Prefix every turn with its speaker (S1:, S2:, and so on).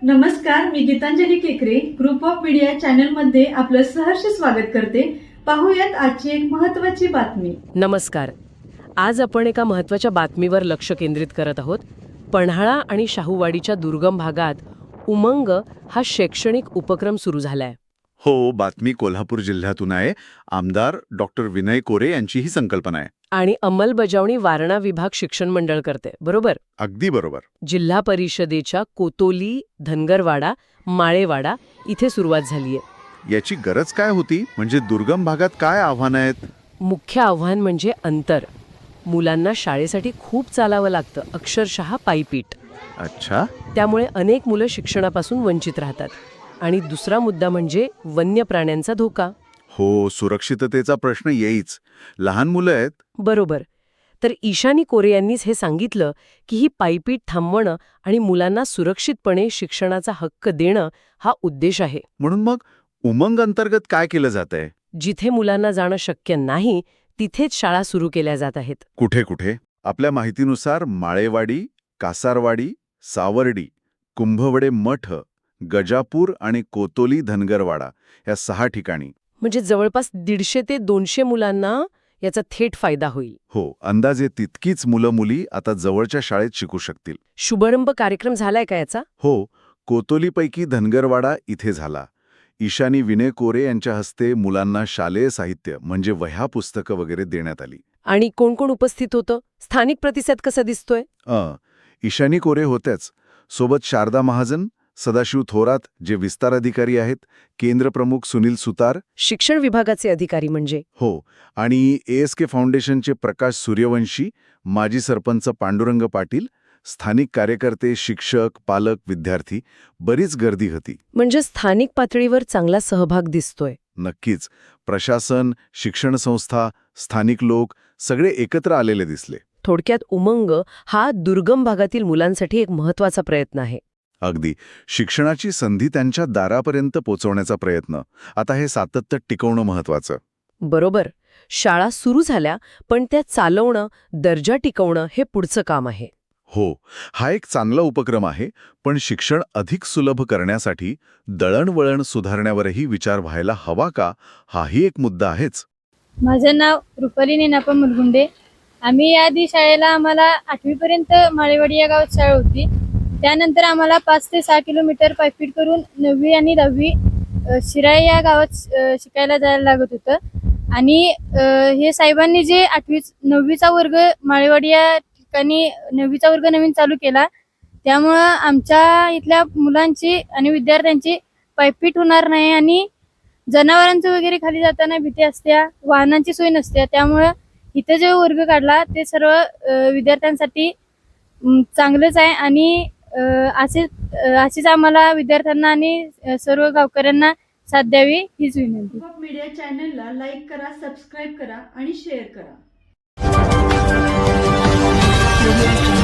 S1: नमस्कार, मी गीतांजली केकरे group of media channel मध्ये आपलं सहर्ष स्वागत करते। पाहूयात आजची एक महत्त्वाची बातमी।
S2: नमस्कार। आज आपण एका महत्त्वाच्या बातमीवर लक्ष केंद्रित करत आहोत। पन्हाळा आणि शाहूवाडीच्या दुर्गम भागात उमंग हा शैक्षणिक उपक्रम सुरू झालाय।
S3: हो, बातमी कोल्हापूर जिल्ह्यातून आहे। आमदार डॉक्टर विनय कोरे यांची ही संकल्पना आहे।
S2: आणि अंमलबजावणी वारणा विभाग शिक्षण मंडळ करते, बरोबर?
S3: अगदी बरोबर।
S2: जिल्हा परिषदेच्या कोतोली, धनगरवाडा, माळेवाडा इथे सुरुवात झालीय।
S3: याची गरज काय होती? म्हणजे दुर्गम भागात काय आव्हानं आहेत?
S2: मुख्य आव्हान म्हणजे अंतर। मुलांना शाळेसाठी खूप चालावं लागतं, अक्षरशः पायपीट।
S3: अच्छा,
S2: त्यामुळे अनेक मुलं शिक्षणापासून वंचित राहतात। आणि दुसरा मुद्दा म्हणजे वन्य प्राण्यांचा धोका।
S3: हो, सुरक्षिततेचा प्रश्न येईच। लहान मुलं आहेत।
S2: बरोबर। तर ईशानी कोरे यांनीच हे सांगितलं की ही पायपीट थांबवणं आणि मुलांना सुरक्षितपणे शिक्षणाचा हक्क देणं हा उद्देश आहे।
S3: म्हणून मग उमंग अंतर्गत काय केलं जातंय?
S2: जिथे मुलांना जाणं शक्य नाही तिथेच शाळा सुरू केल्या जात आहेत।
S3: कुठे कुठे? आपल्या माहितीनुसार माळेवाडी, कासारवाडी, सावर्डी, कुंभवडे मठ, गजापूर आणि कोतोली धनगरवाडा या 6 ठिकाणी।
S2: म्हणजे जवळपास 150 ते 200 मुलांना याचा थेट फायदा होईल।
S3: हो, अंदाजे तितकीच मुलं-मुली आता जवळच्या शाळेत शिकू शकतील।
S2: शुभारंभ कार्यक्रम झालाय का याचा?
S3: हो, कोतोलीपैकी धनगरवाडा इथे झाला। ईशानी विनय कोरे यांच्या हस्ते मुलांना शालेय साहित्य म्हणजे वह्या पुस्तकं वगैरे देण्यात आली।
S2: आणि कोण कोण उपस्थित होतं? स्थानिक प्रतिसाद कसा दिसतोय?
S3: ईशानी कोरे होत्याच, सोबत शारदा महाजन, सदाशिव थोरात जे विस्तार अधिकारी आहेत, केंद्र प्रमुख सुनील सुतार,
S2: शिक्षण विभागाचे अधिकारी म्हणजे?
S3: हो, आणि ASK फाउंडेशनचे प्रकाश सूर्यवंशी, माजी सरपंच पांडुरंग पाटील, स्थानिक कार्यकर्ते, शिक्षक, पालक, विद्यार्थी, बरीच गर्दी होती।
S2: म्हणजे स्थानिक पातळीवर चांगला सहभाग दिसतोय।
S3: नक्कीच, प्रशासन, शिक्षण संस्था, स्थानिक लोक सगळे एकत्र आलेले दिसले।
S2: थोडक्यात उमंग हा दुर्गम भागातील मुलांसाठी एक महत्त्वाचा प्रयत्न आहे।
S3: अगदी, शिक्षणाची संधी त्यांच्या दारापर्यंत पोहोचवण्याचा प्रयत्न। आता हे सातत्य टिकवणं महत्त्वाचं।
S2: बरोबर। शाळा सुरू झाल्या, पण त्या चालवणं, दर्जा टिकवणं हे पुढचं काम आहे।
S3: हो, हा एक चांगला उपक्रम आहे, पण शिक्षण अधिक सुलभ करण्यासाठी दळणवळण सुधारण्यावरही विचार व्हायला हवा का, हाही एक मुद्दा आहेच।
S4: माझं नाव रुपाली नीनापा मुलगुंडे। आम्ही याआधी शाळेला आम्हाला 8वी पर्यंत माळेवाडी या गावात शाळा होती। त्यानंतर आम्हाला 5 ते 6 किलोमीटर पायपीट करून 9वी आणि 10वी शिराई या गावात शिकायला जायला लागत होतं। आणि हे साहेबांनी जे 9वीचा वर्ग माळेवाडी या ठिकाणी 9वीचा वर्ग नवीन चालू केला, त्यामुळं आमच्या इथल्या मुलांची आणि विद्यार्थ्यांची पायपीट होणार नाही आणि जनावरांचं वगैरे खाली जाताना भीती असते, वाहनांची सोय नसते। त्यामुळं इथे जो वर्ग काढला ते सर्व विद्यार्थ्यांसाठी चांगलंच आहे। आणि अशीच आम्हाला विद्यार्थ्यांना आणि सर्व गावकऱ्यांना साथ द्यावी हीच विनंती।
S1: ग्रुप ऑफ मीडिया चॅनलला लाईक करा, सबस्क्राईब करा आणि शेअर करा।